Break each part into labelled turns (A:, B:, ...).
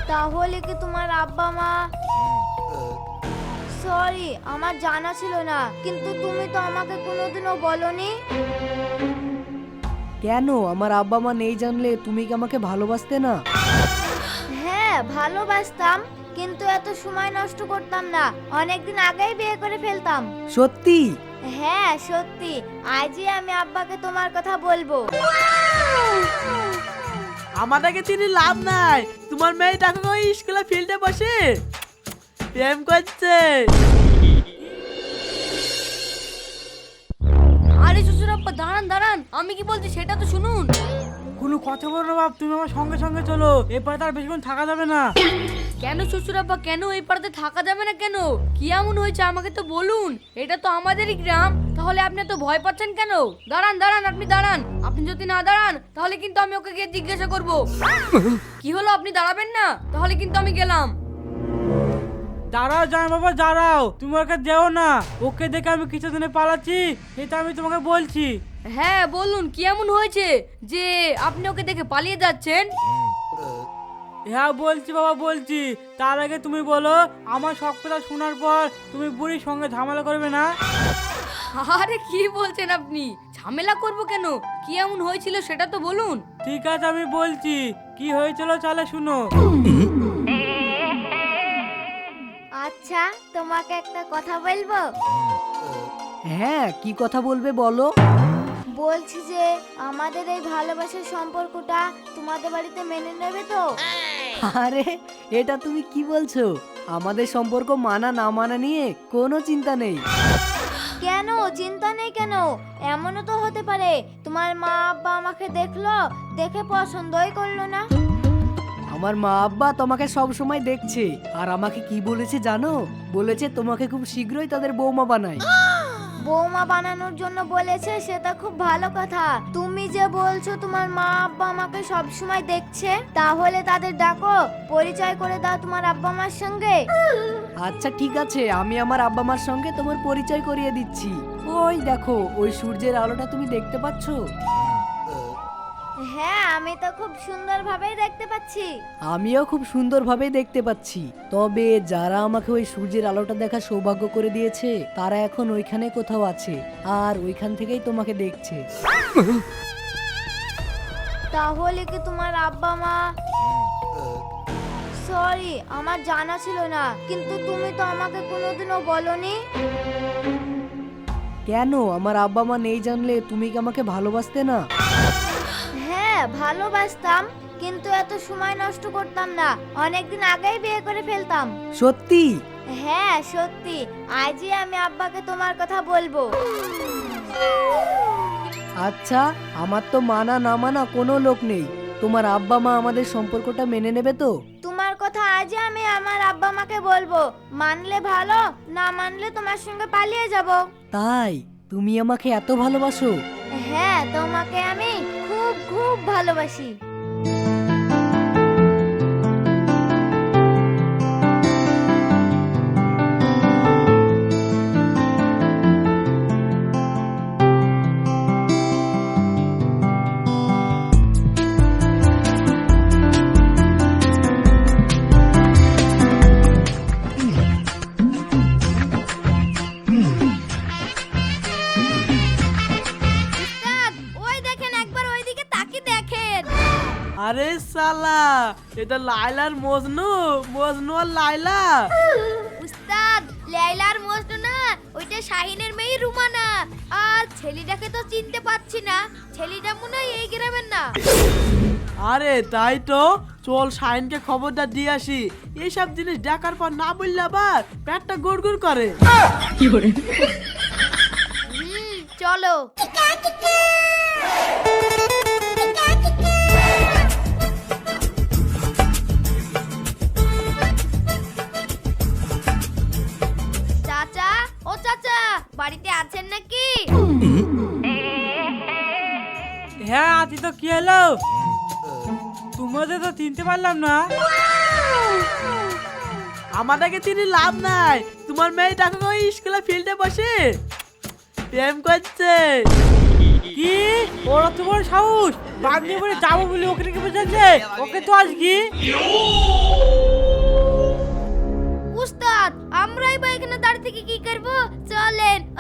A: তাহলে কি তোমার আব্বা মা? সরি, আমার জানা ছিল না, কিন্তু তুমি তো আমাকে কোনোদিনও বলনি।
B: কেন আমার আব্বা মা নেই জানলে তুমি কি আমাকে ভালোবাসতে না?
A: হ্যাঁ, ভালোবাসতাম, কিন্তু এত সময় নষ্ট করতাম না। অনেকদিন আগেই বিয়ে করে ফেলতাম।
B: সত্যি?
A: হ্যাঁ সত্যি, আজই আমি আব্বাকে তোমার কথা বলবো।
C: আমাদেরকে চিনি লাভ নাই, তোমার মেয়ে টাকা ওই স্কুলে ফিল্ডে বসে প্রেম করছে।
D: আরে শ্বশুরাব্বা দাঁড়ান দাঁড়ান, আমি কি বলছি সেটা তো শুনুন।
C: কোনো কথা বলো না বাপ, তুমি আমার সঙ্গে সঙ্গে চলো, এরপরে তার বেশিক্ষণ থাকা যাবে না।
D: কেন শ্বশুরাব্বা, কেন এই পাড়াতে থাকা যাবে না কেন? কি এমন হয়েছে আমাকে তো বলুন, এটা তো আমাদেরই গ্রাম। তাহলে আপনি এত ভয় পাচ্ছেন কেন? দাঁড়ান দাঁড়ান, আপনি দাঁড়ান। আপনি যদি না দাঁড়ান তাহলে কিন্তু আমি ওকে গিয়ে জিজ্ঞাসা করব। কি হলো, আপনি দাঁড়াবেন না? তাহলে কিন্তু আমি গেলাম।
C: দাঁড়াও জামাই বাবা দাঁড়াও, তুমি ওকে দেও না, ওকে দেখে আমি কিছুদিনে পালাচ্ছি, এটা আমি তোমাকে বলছি।
D: হ্যাঁ বলুন, কি এমন হয়েছে যে আপনি ওকে দেখে পালিয়ে যাচ্ছেন?
C: হ্যাঁ বলছি বাবা বলছি, তার আগে তুমি বলো, আমার সব কথা শোনার পর তুমি বুড়ির সঙ্গে ঝামেলা করবে না?
D: আরে কি বলছেন আপনি? ঝামেলা করব কেন? কি এমন হয়েছিল সেটা তো বলুন।
C: ঠিক আছে আমি বলছি, কি হয়েছিল চলে শুনো।
A: আচ্ছা, তোমাকে একটা কথা বলবো?
B: হ্যাঁ, কি কথা বলবে বলো।
A: বলছি যে আমাদের এই ভালোবাসার সম্পর্কটা তোমাদের বাড়িতে মেনে নেবে তো?
B: আরে এটা তুমি কি বলছো? আমাদের সম্পর্ক মানা না মানা নিয়ে কোনো চিন্তা নেই।
A: কেন চিন্তা নেই কেন? এমনও তো হতে পারে তোমার মা আব্বা আমাকে দেখলো, দেখে পছন্দই করলো না।
B: আমার মা আব্বা তোমাকে সব সময় দেখছে, আর আমাকে কি বলেছে জানো? বলেছে তোমাকে খুব শীঘ্রই তাদের বৌমা বানায়।
A: বৌমা বানানোর জন্য বলেছে, সেটা খুব ভালো কথা। তুমি যে বলছো তোমার মা আব্বা আমাকে সব সময় দেখছে, তাহলে তাদের ডাকো, পরিচয় করে দাও তোমার আব্বা মার সঙ্গে।
B: আচ্ছা ঠিক আছে, আমি আমার আব্বা মার সঙ্গে তোমার পরিচয় করিয়ে দিচ্ছি। ওই দেখো, ওই সূর্যের আলোটা তুমি দেখতে পাচ্ছো?
A: হ্যাঁ, আমি তো খুব সুন্দরভাবেই দেখতে পাচ্ছি।
B: আমিও খুব সুন্দরভাবেই দেখতে পাচ্ছি। তবে যারা আমাকে ওই সূর্যের আলোটা দেখার সৌভাগ্য করে দিয়েছে, তারা এখন ওইখানে কোথাও আছে, আর ওইখান থেকেই তোমাকে দেখছে।
A: তাহলে কি তোমার আব্বা মা? সরি, আমার জানা ছিল না, কিন্তু তুমি তো আমাকে কোনোদিনও বলনি।
B: কেন আমার আব্বা মা নেই জানলে তুমি কি আমাকে ভালোবাসতে না?
A: হ্যাঁ, ভালোবাসতাম, কিন্তু এত সময় নষ্ট করতাম না। অনেকদিন আগেই বিয়ে করে ফেলতাম।
B: সত্যি?
A: হ্যাঁ সত্যি, আজই আমি আব্বাকে তোমার কথা বলবো।
B: আচ্ছা, আমার তো মানা না মানা কোনো লোক নেই। তোমার আব্বা মা আমাদের সম্পর্কটা মেনে নেবে তো?
A: তোমার কথা আজই আমি আমার আব্বা মাকে বলবো। মানলে ভালো, না মানলে তোমার সঙ্গে পালিয়ে যাব।
B: তাই তুমি আমাকে এত ভালোবাসো?
A: হ্যাঁ, তোমাকে আমি খুব খুব ভালোবাসি। ওই দেখেন, একবার ওইদিকে তাকিয়ে দেখেন।
C: আরে সালা, এটা লাইলার মজনু, মজনু আর লাইলা।
A: উস্তাদ, লাইলার মজনু না, ওইটা শাহিনের মেয়ে রুমানা। আর ছেলেটাকে তো চিনতে পারছি না, ছেলেটা মনে হয় এই গ্রামের না।
C: আরে তাই তো, চল শাইনকে খবরটা দিয়ে আসি। এইসব জিনিস দেখার পর না বললে আবার পেটটা গুড়গুড় করে।
A: চলো। চাচা, ও চাচা, বাড়িতে আছেন নাকি?
C: হ্যাঁ আছি তো, কি হলো? তোমাদের তো চিনতে পারলাম না। আমাদেরকে চিনি লাভ নাই, তোমার মেয়ে টাকা ওই স্কুলে ফিল্ডে বসে প্রেম করছে। কি ওরা তোমার সাহস? বাদ দিয়ে বলে যাবো বলে ওকে রেখে বসেছে, ওকে তো আজ কি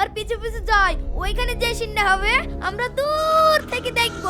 A: আব্বার পিছু পিছু যাই, ওইখানে যে সিনটা হবে আমরা দূর থেকে দেখবো।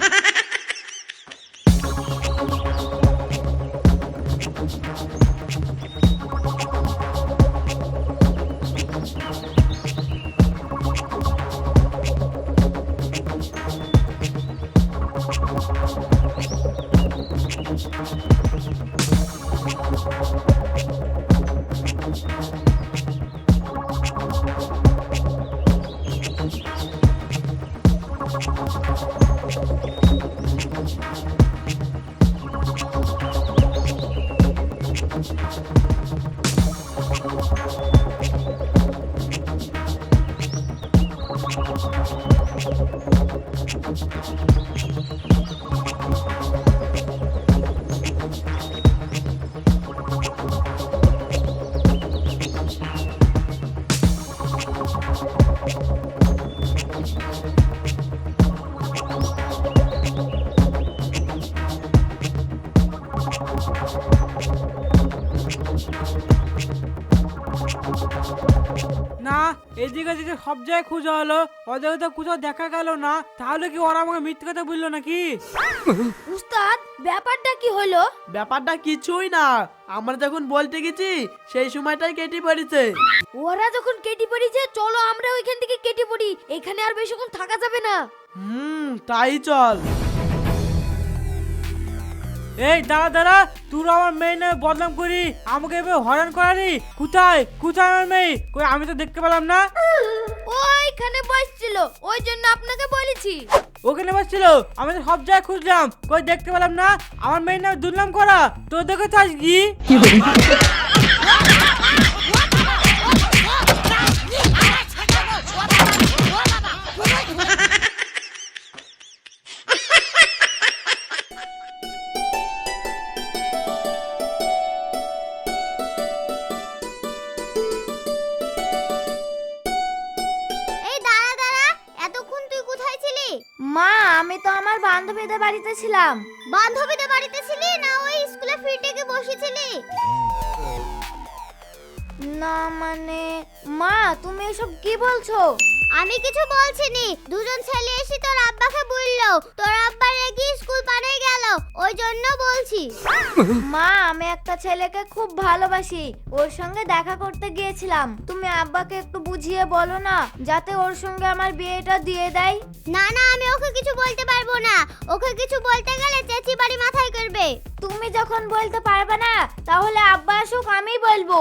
C: না, এদিকে যেদিকে সব জায়গায় খোঁজা হলো, ওদেরকে তো কোথাও দেখা গেল না। তাহলে কি ওরা আমাকে মিথ্যে কথা বললো নাকি?
A: উস্তাদ, ব্যাপারটা কি হলো?
C: ব্যাপারটা কিছুই না, আমরা যখন বলতে গেছি সেই সময়টাই কেটে পড়েছে।
A: ওরা যখন কেটে পড়েছে, চলো আমরা ওইখান থেকে কেটে পড়ি, এখানে আর বেশিক্ষণ থাকা যাবে না।
C: তাই চল। এই দাঁড়া দাঁড়া, তোর আমার মেয়ে নামে বদনাম করি, আমাকে এভাবে হয়রান করালি। কোথায় কোথায় আমার মেয়ে? কই, আমি তো দেখতে পেলাম না।
A: ওইখানে বসছিল, ওই জন্য আপনাকে বলেছি।
C: ওখানে বসছিল, আমি তো সব জায়গায় খুঁজলাম, কই দেখতে পেলাম না। আমার মেয়ের নামে দুর্নাম করা, তোর দেখে চাস কি?
A: এই দাঁড়া দাঁড়া, এতক্ষণ তুই কোথায় ছিলি? মা, আমি তো আমার বান্ধবীদের বাড়িতে ছিলাম। বান্ধবীদের বাড়িতে ছিলি না ওই স্কুলে ফ্রি থেকে বসেছিলি? না মানে, মা তুমি এসব কি বলছো? আমি কিছু বলছিনি, দুজন ছেলে এসে তোর আব্বাকে বললো তোর আব্বা রেগে স্কুল পালিয়ে গেল, ওই জন্য বলছি। মা, আমি একটা ছেলেকে খুব ভালোবাসি, ওর সঙ্গে দেখা করতে গিয়েছিলাম। তুমি আব্বাকে একটু বুঝিয়ে বলো না, যাতে ওর সঙ্গে আমার বিয়েটা দিয়ে দেয়। না না, আমি ওকে কিছু বলতে পারবো না, ওকে কিছু বলতে গেলে চেঁচি বাড়ি মাথায় করবে। তুমি যখন বলতে পারবে না, তাহলে আব্বা আসুক, আমি বলবো।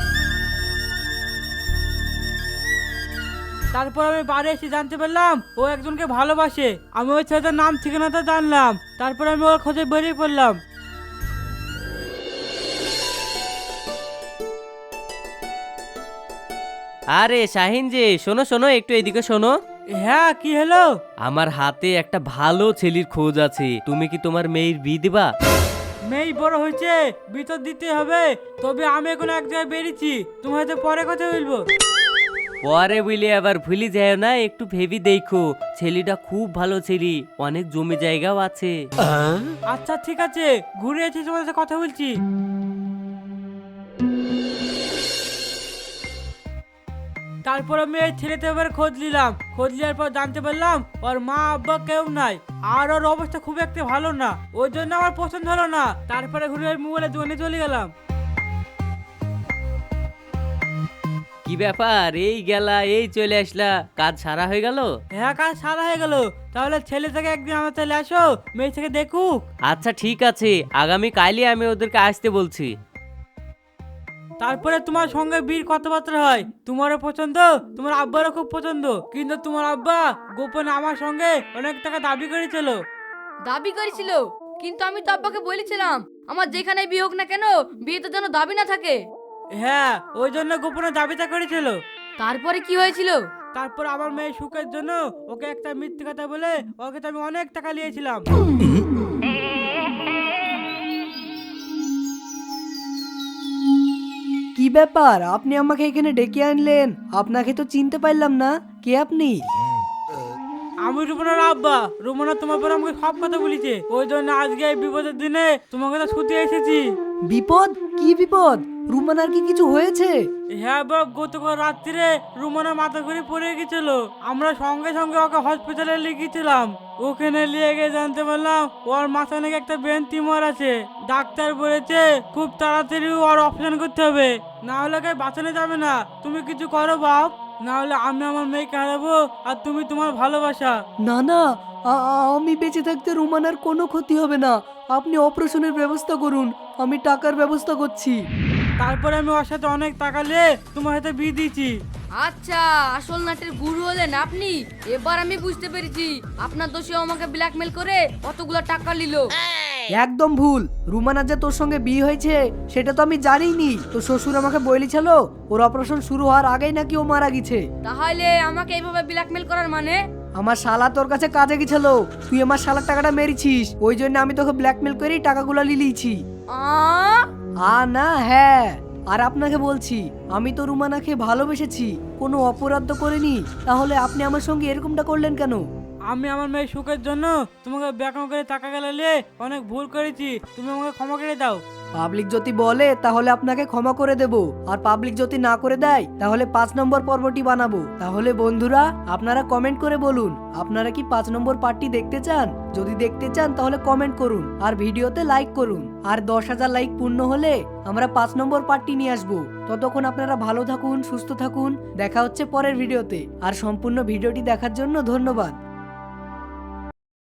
C: তারপর আমি বাড়ি এসে জানতে পারলাম ও একজনকে ভালোবাসে। আমি ওই ছেলেটার নাম ঠিকানাটা জানলাম, তারপর আমি ওর খোঁজে বেরিয়ে পড়লাম।
E: আরে শাহিন যে, শোনো শোনো, একটু এদিকে শোনো।
C: হ্যাঁ, কি হলো?
E: আমার হাতে একটা ভালো ছেলের খোঁজ আছে, তুমি কি তোমার মেয়ের বিয়ে দিবা?
C: মেয়ে বড় হয়েছে, ভিতর দিতে হবে। তবে আমি এখন এক জায়গায় বেরিয়েছি, তোমার হয়তো পরে কথা বলবো।
E: পরে বলে আবার ভুলে যায় না, একটু ভেবে দেখো, ছেলেটা খুব ভালো ছেলে, অনেক জমি জায়গাও আছে।
C: আচ্ছা ঠিক আছে, ঘুরে এসে তোমার সাথে কথা বলছি। তারপর আমি এই ছেলেতে এবার খোঁজ নিলাম, খোঁজ নেওয়ার পর জানতে পারলাম ওর মা আব্বা কেউ নাই, আর ওর অবস্থা খুব একটা ভালো না, ওই জন্য আমার পছন্দ হলো না। তারপরে ঘুরে ওই মোবাইলের দোকানে চলে গেলাম।
E: কি ব্যাপার, এই গেলা এই চলে আসলা, কাজ সারা হয়ে গেল?
C: হ্যাঁ, কাজ সারা হয়ে গেল। তাহলে ছেলে থেকে একদিন আমার চলে আসো, মেয়ে থেকে দেখুক।
E: আচ্ছা ঠিক আছে, আগামী কালই আমি ওদেরকে আসতে বলছি।
C: তারপরে তোমার সঙ্গে বীর কথাবার্তা হয়, তোমারও পছন্দ, তোমার আব্বারও খুব পছন্দ, কিন্তু তোমার আব্বা গোপনে আমার সঙ্গে অনেক টাকা দাবি করেছিল।
D: দাবি করেছিল, কিন্তু আমি তো আব্বাকে বলেছিলাম আমার যেখানে বিয়ে হোক না কেন, বিয়েতে যেন দাবি না থাকে।
C: হ্যাঁ, ওই জন্য গোপনে দাবিটা করেছিল।
D: তারপরে কি হয়েছিল?
C: তারপর আমার মেয়ের সুখের জন্য ওকে একটা মিথ্যে কথা বলে ওকে তো আমি অনেক টাকা নিয়েছিলাম।
B: কি ব্যাপার, আপনি আমাকে এখানে ডেকে আনলেন? আপনাকে তো চিনতে পারলাম না, কে আপনি?
C: আমি রুমনার আব্বা। রুমনা তোমার পর আমাকে সব কথা বলেছে, ওই জন্য আজকে এই বিপদের দিনে তোমাকে তো ছুটি এসেছি।
B: বিপদ? কি বিপদ? রুমানার কি কিছু হয়েছে?
C: হ্যাঁ বাপ, গতকাল রাত্রিরে রুমানা মাথা ঘুরে পড়ে গেছিল। আমরা সঙ্গে সঙ্গে ওকে হসপিটালে লিখেছিলাম। ওখানে নিয়ে গিয়ে জানতে পারলাম ওর মাথা নাকি একটা ব্রেন টিউমার আছে। ডাক্তার বলেছে খুব তাড়াতাড়ি ওর অপারেশন করতে হবে, না হলে ওকে বাঁচানো যাবে না। তুমি কিছু করো বাপ, না হলে আমি আমার মেয়েকে হারাবো আর তুমি তোমার ভালোবাসা।
B: না না, আমি বেঁচে থাকতে রুমানার কোনো ক্ষতি হবে না। আপনি অপারেশনের ব্যবস্থা করুন, আমি টাকার ব্যবস্থা করছি।
C: তারপরে আমি ওর সাথে অনেক টাকা নিয়ে তোমার হাতে বিয়ে দিয়েছি।
D: আচ্ছা, আসল নাটের গুরু হলেন আপনি। এবার আমি বুঝতে পেরেছি আপনার দোষে আমাকে ব্ল্যাকমেল করে কতগুলো টাকা নিল।
B: একদম ভুল। রুমানার যে তোর সঙ্গে বিয়ে হয়েছে সেটা তো আমি জানিনি। তো শ্বশুর আমাকে বলেছিল ওর অপারেশন শুরু হওয়ার আগেই নাকি ও মারা গেছে।
D: তাহলে আমাকে এইভাবে ব্ল্যাকমেল করার মানে?
B: আমার শালা তোর কাছে কাজে গেছিল, তুই আমার শালার টাকাটা মেরেছিস, ওই জন্য আমি তোকে ব্ল্যাকমেল করেই টাকাগুলো লিলিয়েছি। না হ্যাঁ, আর আপনাকে বলছি আমি তো রুমানাকে ভালোবেসেছি, কোনো অপরাধ তো করিনি। তাহলে আপনি আমার সঙ্গে এরকমটা করলেন কেন?
C: আমি আমার মেয়ের সুখের জন্য তোমাকে ব্যাকআপ করে টাকা গেলে অনেক ভুল করেছি, তুমি আমাকে ক্ষমা করে দাও।
B: পাবলিক যদি বলে তাহলে আপনাকে ক্ষমা করে দেব, আর পাবলিক যদি না করে দেয় তাহলে 5 নম্বর পর্বটি বানাবো। তাহলে বন্ধুরা আপনারা কমেন্ট করে বলুন আপনারা কি 5 নম্বর পার্টটি দেখতে চান। যদি দেখতে চান তাহলে কমেন্ট করুন আর ভিডিওতে লাইক করুন। আর 10,000 লাইক পূর্ণ হলে আমরা 5 নম্বর পার্টটি নিয়ে আসবো। ততক্ষণ আপনারা ভালো থাকুন, সুস্থ থাকুন। দেখা হচ্ছে পরের ভিডিওতে। আর সম্পূর্ণ ভিডিওটি দেখার জন্য ধন্যবাদ।